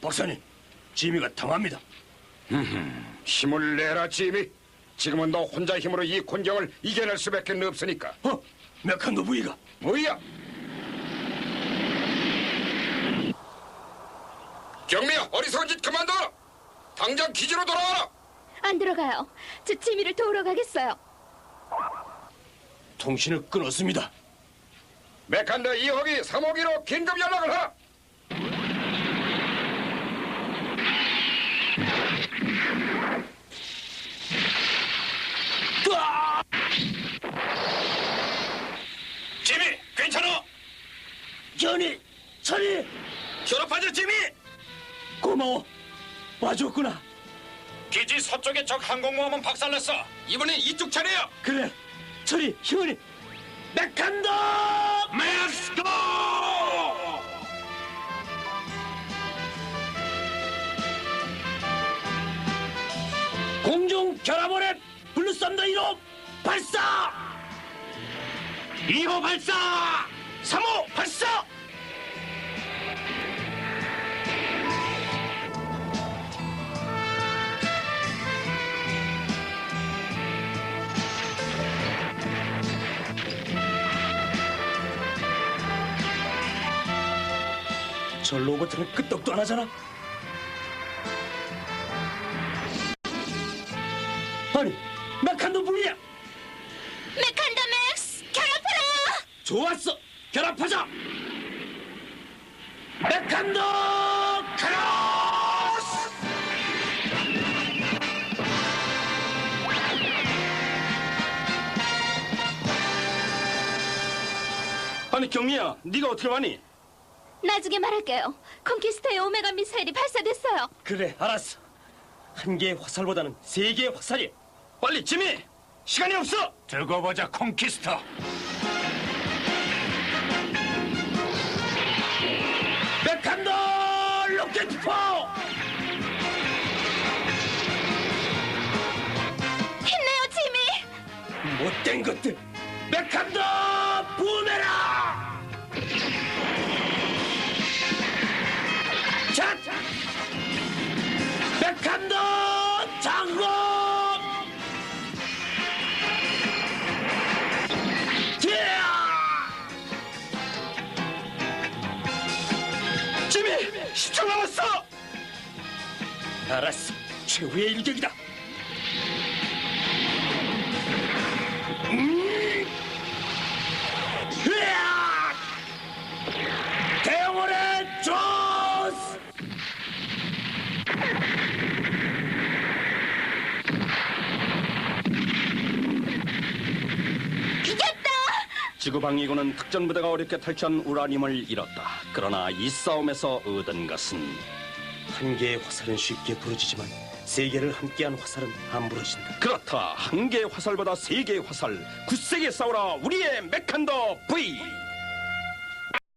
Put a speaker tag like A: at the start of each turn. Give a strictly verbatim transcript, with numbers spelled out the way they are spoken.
A: 박사님, 지미가 당합니다.
B: 힘을 내라, 지미. 지금은 너 혼자 힘으로 이 곤경을 이겨낼 수밖에 없으니까.
A: 어? 메칸도 부이가.
B: 뭐야? 경미야, 어리석은 짓 그만둬! 당장 기지로 돌아와라!
C: 안 들어가요. 저 지미를 도우러 가겠어요.
A: 통신을 끊었습니다.
B: 메칸더 이 호기 삼 호기로 긴급 연락을 하라!
A: 으아! 지미, 괜찮아? 전이, 천이!
D: 졸업하자, 지미!
A: 고마워. 와줬구나.
D: 기지 서쪽에 적 항공모함은 박살났어. 이번엔 이쪽 차례야.
A: 그래, 천이, 희원이. 메칸도!
D: 렛츠고!
A: 공중 결합원의 블루썬더 일 호 발사!
D: 이 호 발사!
A: 삼 호 발사! 저 로봇은 끄떡도 안 하잖아. 아니, 메칸도 불이야.
C: 메칸더 맥스, 결합하라!
A: 좋았어, 결합하자. 메칸도 크로스! 아니 경미야, 네가 어떻게 왔니?
C: 나중에 말할게요. 콘키스터의 오메가 미사일이 발사됐어요.
A: 그래, 알았어. 한 개의 화살보다는 세 개의 화살이. 빨리 지미, 시간이 없어.
D: 두고 보자, 콘키스터.
A: 메칸도 로켓포!
C: 힘내요, 지미!
A: 못된 것들. 메칸도 부메라! 자, 메칸도 장공! 지미, 십 초 남았어. 알았어, 최후의 일격이다. 음! 으악! 대형원의 조스!
C: 이겼다!
E: 지구 방위군은 특전부대가 어렵게 탈취한 우라늄을 잃었다. 그러나 이 싸움에서 얻은 것은
A: 한 개의 화살은 쉽게 부러지지만 세 개를 함께한 화살은 안 부러진다.
E: 그렇다. 한 개의 화살보다 세 개의 화살. 굳세게 싸우라 우리의 메칸더 V.